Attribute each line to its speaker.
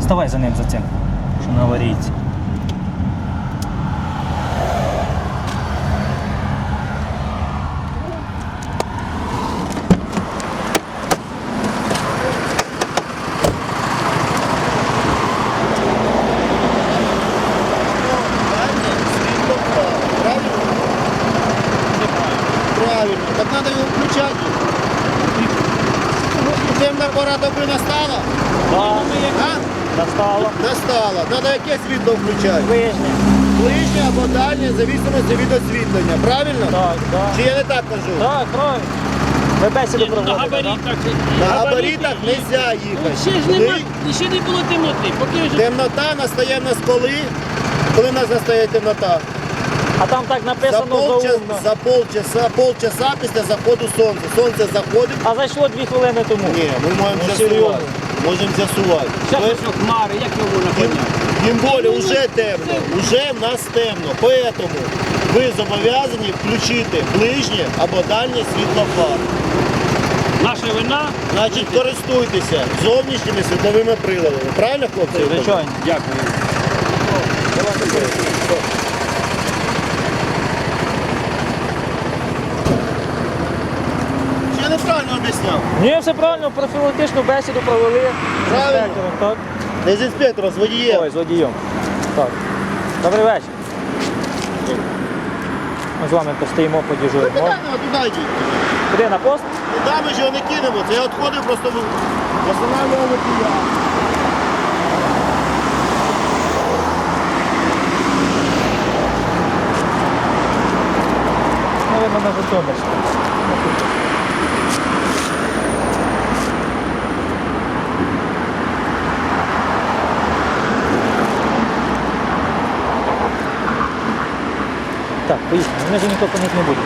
Speaker 1: Ставай за ним, за цим, що на аварійці.
Speaker 2: Правильно. Так надо его включать. Темна пора доби настала?
Speaker 1: Так, настало.
Speaker 2: Настала. Надо яке світло включати?
Speaker 1: Ближнє.
Speaker 2: Ближнє або дальнє, в зависимості від освітлення. Правильно?
Speaker 1: Так, так.
Speaker 2: Чи я не так кажу?
Speaker 1: Так, правильно. Ви бесіду
Speaker 3: На
Speaker 1: проводите, так?
Speaker 3: габаритах.
Speaker 2: На габаритах не можна їхати.
Speaker 3: Ще ж нема, ще не було темноти. Поки вже
Speaker 2: Темнота настає в нас коли в нас настає темнота?
Speaker 1: А там так
Speaker 2: За
Speaker 1: написано заумно.
Speaker 2: полчаса після заходу сонця. Сонце заходить.
Speaker 1: А зайшло 2 хвилини тому.
Speaker 2: Ні, ми можемо
Speaker 1: Ну,
Speaker 2: з'ясувати.
Speaker 1: серйозно.
Speaker 2: Можемо з'ясувати.
Speaker 3: зараз ось хмари, як його можна
Speaker 2: Тим,
Speaker 3: поняти?
Speaker 2: тим більше вже темно. Уже в нас темно. Поэтому ви зобов'язані включити ближнє або дальнє світло фар.
Speaker 3: Наша вина.
Speaker 2: Значить, користуйтеся зовнішніми світловими приладами. Правильно, хлопці?
Speaker 1: Звичайно.
Speaker 3: Дякую.
Speaker 2: Чи я неправильно об'ясняв?
Speaker 1: Ні, все правильно, профілактичну бесіду провели. з
Speaker 2: Правильно.
Speaker 1: інспектором, так?
Speaker 2: Не з інспектором, з водієм.
Speaker 1: Ой, з водієм. Так. Добрий вечір. Ми з вами постоїмо, подіжуримо.
Speaker 2: Туди йдіть.
Speaker 1: Куди, на пост?
Speaker 2: Туди ми ж його не кинемо. Це я відходив, просто встановлював водія.
Speaker 1: Наверно, на Житомирську. Так, поїхали. Ми ж нікого по них не будемо.